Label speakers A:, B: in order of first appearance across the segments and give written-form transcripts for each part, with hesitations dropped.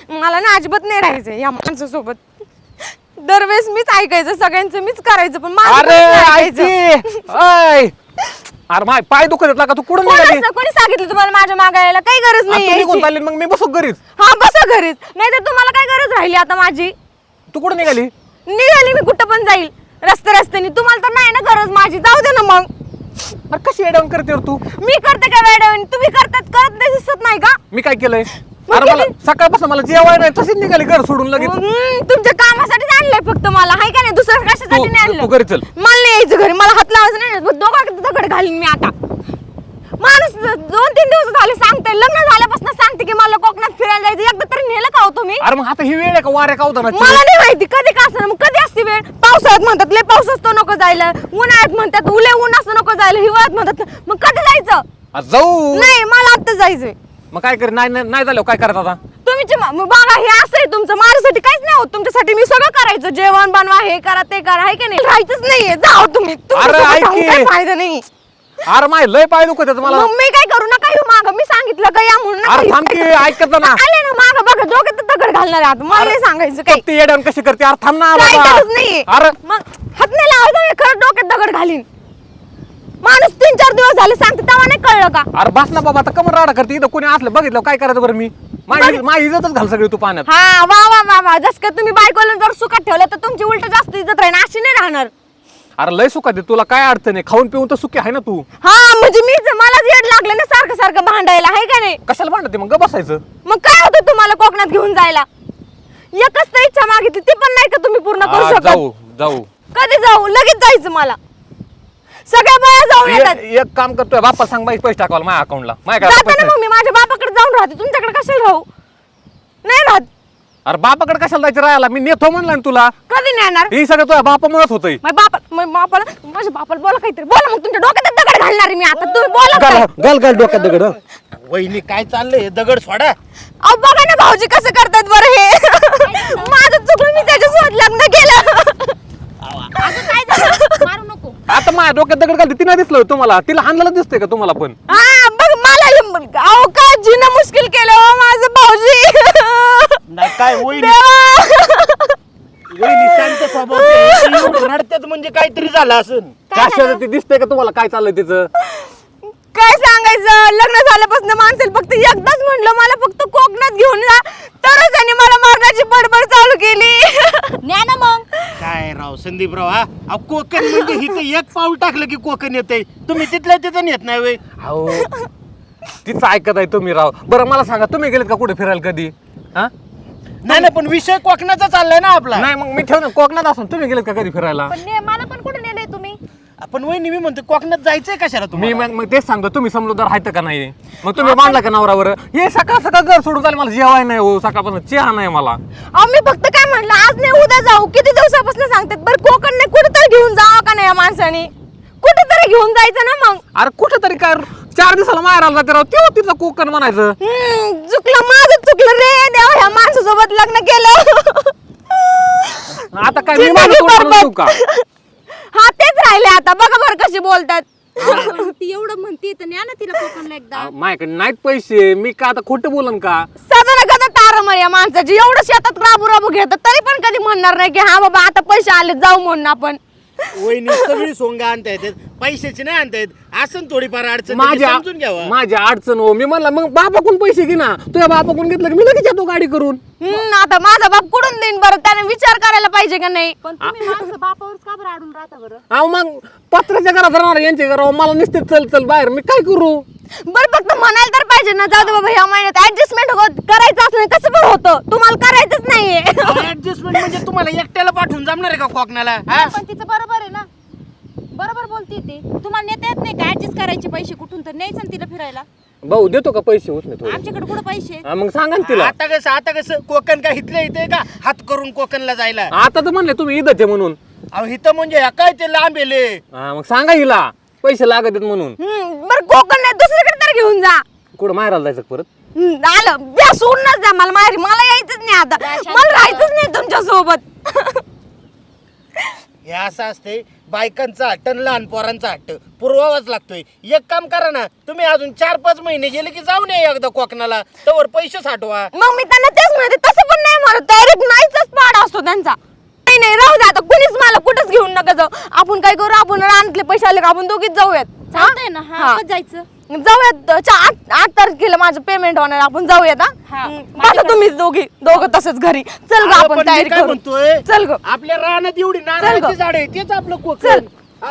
A: मला ना अजिबात नाही राहायचं या माणसासोबत. दरवेळेस मीच ऐकायचं, सगळ्यांचं मीच करायचं, पण माझं
B: अरे
A: कोणीच नाही
B: ऐक अय अरे माय पाय दुखत आहेत का तू कुठं निघाली?
A: कोणी सांगितलं तुम्हाला माझ्या मागे यायला? काही गरज नाही
B: तू
A: यायची.
B: निघून चालली मग मी बसू घरीच.
A: हा बसा घरीच, नाही तर तुम्हाला काय गरज राहिली आता माझी?
B: तू कुठं निघाली?
A: निघाली मी कुठं पण जाईल रस्त्याने. तुम्हाला तर नाही ना गरज माझी, जाऊ दे ना मग.
B: अरे कशी एडाऊन करते रे तू?
A: मी करते काय वेळ? तुम्ही करत नाही दिसत नाही का?
B: मी काय केलंय?
A: मग
B: अरे मला
A: किती-
B: सकाळपासून मला जेवाय नाही तशीच निघाली घर सोडून लगेच.
A: तुमच्या कामासाठीच आणलंय फक्त मला, हाय का नाही? दुसरं कशासाठी नाही आणलं?
B: तू घरी चल.
A: मला नाही यायचं घरी, मला हात लावायचं नाही. दोघं दगड घालीन मी आता. माणूस 2-3 दिवस झाले सांगते, लग्न झाल्यापासून सांगते की मला कोकणात फिरायला जायचं. एकदा तरी नेलं का हो तुम्ही?
B: अरे मग आता ही वेळ आहे का वाऱ्या कावतानाची?
A: मला नाही माहिती कधी का असं. मग कधी असते वेळ? पावसाळ्यात म्हणतात लय पाऊस असतो नको जायला, उन्हाळ्यात म्हणतात उले ऊन असतो नको जायला, हिवाळ्यात म्हणतात. मग कधी जायचं?
B: अरे जाऊ.
A: नाही मला आता जायचंय.
B: मग काय कर? नाही झालं काय करत आता?
A: तुम्ही बघा हे असं आहे तुमचं. माझ्यासाठी काहीच नाही होत, तुमच्यासाठी मी सगळं करायचं. जेवण बनवा, हे करा ते करा, हाय का नाही? राहायचंच नाहीये, जाओ तुम्ही.
B: अरे ऐक की.
A: काही फायदा नाही.
B: अरे माय लय पाय दुखत आहेत मला.
A: मग मी काय करू? नका येऊ माग, मी सांगितलं का या म्हणून. नका
B: अरे
A: येऊ.
B: थांब की, ऐकत जा ना.
A: आले ना माग बघा, डोक्यात दगड घालणार आहे आता. मला नाही सांगायचं काही.
B: ती एडाऊन कशी करते? अरे थांब ना
A: काही
B: बाबा.
A: गरज नाहीये.
B: अरे
A: मग हात नाही लावायचा, खरं डोक्यात दगड घालीन. माणूस 3-4 दिवस झाले सांगते, तेव्हा नाही कळलं का?
B: अरे बस ना बाबा, आता कमर राडा करते. इथं कोणी असलं बघितलं काय करायचं बरं? मी माझी इज्जतच घाल सगळी तू पाण्यात.
A: हा वा वा वा वा. जस का तुम्ही बायकोला जर सुखात ठेवलं तर तुमची उलट जास्त इज्जत राहील, अशी नाही राहणार.
B: अरे लय सुखात आहे, तुला काय अडचण आहे? खाऊन पिऊन तर सुखी आहे ना तू.
A: हा म्हणजे मला येड लागलं ना सारखं भांडायला, हाय का नाही?
B: कशाला भांडते मग? बसायचं.
A: मग काय होतं तुम्हाला कोकणात घेऊन जायला? एकच तर इच्छा मागितली, ती पण नाही का तुम्ही पूर्ण करू शकत?
B: जाऊ
A: कधी जाऊ? लगेच जायचं मला. सगळ्या बाया जाऊन येतात.
B: एक काम करतोय, बाप्पा सांग बाई पैसे टाकावला माझ्या अकाउंटला. माझ्या
A: जाताना
B: पैसे
A: मग मी माझ्या बापाकडे जाऊन राहते, तुमच्याकडे कशाला राहू? नाही राहत.
B: अरे बापाकडे कशाला जायचं राहायला? मी नेतो म्हणलं ना तुला.
A: कधी नेणार?
B: हे सगळं तुझ्या बापामुळेच होतंय.
A: माझ्या बापाला बोला काहीतरी. बोला मग, तुमच्या डोक्यात दगड घालणार आहे मी आता. तुम्ही बोला काय?
B: घाल डोक्यात दगड.
C: वहिनी काय चाललंय? दगड सोडा.
A: अहो बघा ना भाऊजी कसं करतात बरं हे. माझं चुकलं, मी त्याच्यासोबत लग्न केलं.
D: काय झालं? मारू नको.
B: आता माझ्या डोक्यात दगड घालते, तिला दिसलं तुम्हाला? तिला हाणलेलं दिसतंय का तुम्हाला पण?
A: हा बघ मला अहो का जीणं मुश्किल केलं हो माझं भाऊजी.
C: नाही काय वहिनी
A: देवा.
C: वहिनी शांत स्वभाव रडतात म्हणजे काहीतरी झालं असेल.
B: कशाचं ते दिसतंय का तुम्हाला काय चाललंय तिचं?
A: काय सांगायचं, लग्न झाल्यापासून माणसाला फक्त एकदाच म्हणलं मला फक्त कोकणात घेऊन जा, तरच त्याने मला मारण्याची बडबड चालू केली.
D: न्या ना मग.
C: काय राव संदीपराव, हा अहो, कोकण म्हणजे हिथं एक पाऊल टाकलं की कोकण येतंय. तुम्ही तिथल्या तिथं नेत नाही वे.
B: अहो तिचं ऐकत आहे तुम्ही राव. बरं मला सांगा, तुम्ही गेलेत का कुठे फिरायला कधी? हा
C: नाही ना, पण विषय कोकणाचा चाललाय ना आपला.
B: नाही मग मी ठेव ना, कोकणात असून तुम्ही गेलेत का कधी फिरायला?
D: पण मला पण कुठे नेलंय तुम्ही?
C: आपण वहिनी मी म्हणतो कोकणात जायचंय कशाला
B: मी
C: तुम्ही?
B: मग तेच सांगतो, तुम्ही समजूदार आहेत का नाही? मग तुम्ही मानला का नवरावर? हे सकाळ घर सोडून चालेल, मला जेवाय नाही हो, सकाळपासून चहा नाही मला.
A: अहो मी फक्त काय म्हणलं, आज नाही उद्या जाऊ. किती दिवसापासून सांगतात बरं, कोकण नाही कुठेतरी घेऊन जावं का नाही या माणसाने? कुठेतरी घेऊन जायचं ना मग.
B: अरे कुठेतरी काय 4 दिवसाला माहेर आला जाते राव, तेव्हा तिथं कोकण म्हणायचं.
A: चुकलं माझं, चुकलं रे देवा, ह्या माणसासोबत लग्न केलं.
B: आता काय मी
A: जिंदगी
B: माझं तोंड
A: बरबाद.
B: म्हणू का?
A: हा तेच राहिले आता, बघा बरं कशी बोलतात.
D: ती एवढं म्हणते तर न्या ना तिला कोकणला एकदा.
B: माझ्याकडे नाहीत पैसे, मी का आता खोटं बोलन का?
A: साधारण कदा तारमळ या माणसाची. एवढं शेतात राबू घेतात तरी पण कधी म्हणणार नाही की हा बाबा आता पैसे आले जाऊ म्हणून आपण.
C: वहिनी सगळी सोंग आणता येतात, पैशाची नाही आणता येत. असं थोडीफार अडचण
B: माझ्या
C: समजून घ्यावा.
B: माझ्या अडचण हो. मी म्हणलं मग बापाकडून पैसे घे ना. तुझ्या बापाकडून घेतलं की मी लगेच येतो गाडी करून.
A: आता माझा बाप कुठून देईन बरं? त्याने विचार करायला पाहिजे का नाही?
D: पण तुम्ही माणसं बापावरच का बरं अडून राहता बरं?
B: अहो मग पत्राच्या घरात राहणार, यांच्या घरावर मला नुसते चल बाहेर, मी काय करू?
A: बरं फक्त म्हणायला तर पाहिजे ना, जाऊ दे बाबा ह्या महिन्यात ऍडजस्टमेंट करायचं असलं कसं पण होतं. तुम्हाला करायचंच नाहीये.
C: ऍडजस्टमेंट म्हणजे तुम्हाला एकट्याला पाठवून जमणार आहे का कोकणाला? हा?
D: पण तिचं बरोबर आहे ना, बरोबर बोलते ती. तुम्हाला नेता येत नाही का ऍडजस्ट करायचे पैसे कुठून तर न्यायचं ना तिला फिरायला?
B: भाऊ देतो का पैसे? होत नाही थोडे.
D: आमच्याकडे कुठं पैसे?
B: मग सांगा ना तिला.
C: आता कसं कोकण का इथलं इथे का हात करून कोकणला जायला?
B: आता तर म्हणले तुम्ही इथं आहे म्हणून.
C: अहो इथं म्हणजे ह्या काय ते लांब येले.
B: हा मग सांगा हिला पैसे लागत आहेत म्हणून.
A: बरं कोकण नाही दुसरीकडे तर घेऊन जा.
B: कुठं माहेराला जायचं परत?
A: आलं द्या, सोडूनच द्या मला माहेरी. मला यायचंच नाही आता, मला राहायचंच नाही तुमच्या सोबत.
C: हे असं असते, बायकांचा हट्ट आणि लहान पोरांचा हट्ट पुरवावाच लागतोय. एक काम करा ना, तुम्ही अजून 4-5 महिने गेले की जाऊन या एकदा कोकणाला, तवर पैसे साठवा.
A: मग मी त्यांना तेच म्हणते, तसं जाऊ. आपण काय करू, आपण रानातले पैसे आले का आपण दोघीच जाऊयात.
D: चालतंय ना.
A: हा.
D: हा, कधी जायचं?
A: जाऊयात 8 तारखेला माझं पेमेंट होणार, आपण जाऊयात.
D: हा.
A: बसा तुम्हीच दोघं तसंच घरी. चल ग
C: अगं,
A: आपण
C: पण मी
A: तयारी
C: काय
A: करू.
C: म्हणतोय
A: चल ग.
C: आपल्या रानात एवढी नारळाची झाड आहे तेच आपलं कोकण.
A: चल.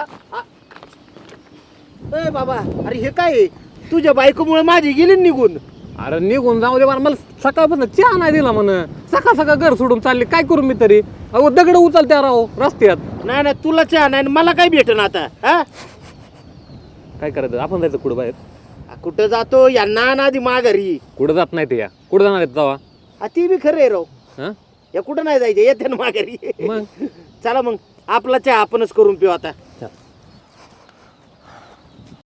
C: ए बाबा, अरे हे काय आहे? तुझ्या बायकोमुळे माझी गेली निघून.
B: अरे निघून जाऊ दे मला सकाळपासून चहा नाही दिला म्हण. सकाळ घर सोडून चालले, काय करू मी तरी. अहो दगड उचलत्या राव रस्त्यात.
C: नाही नाही, तुला चहा नाही, मला काय भेटन आता. हा,
B: काय करायचं, आपण जायचं कुठं बाहेर.
C: कुठं जातो यांना नादी माघारी.
B: कुठं जात नाही ते, या कुठं जाणार आहेत जावा.
C: ती बी खरं आहे राव.
B: हा
C: या कुठं नाही जायचं, येते ना माघारी.
B: मग
C: चला मग आपला चहा आपणच करून पिऊ आता.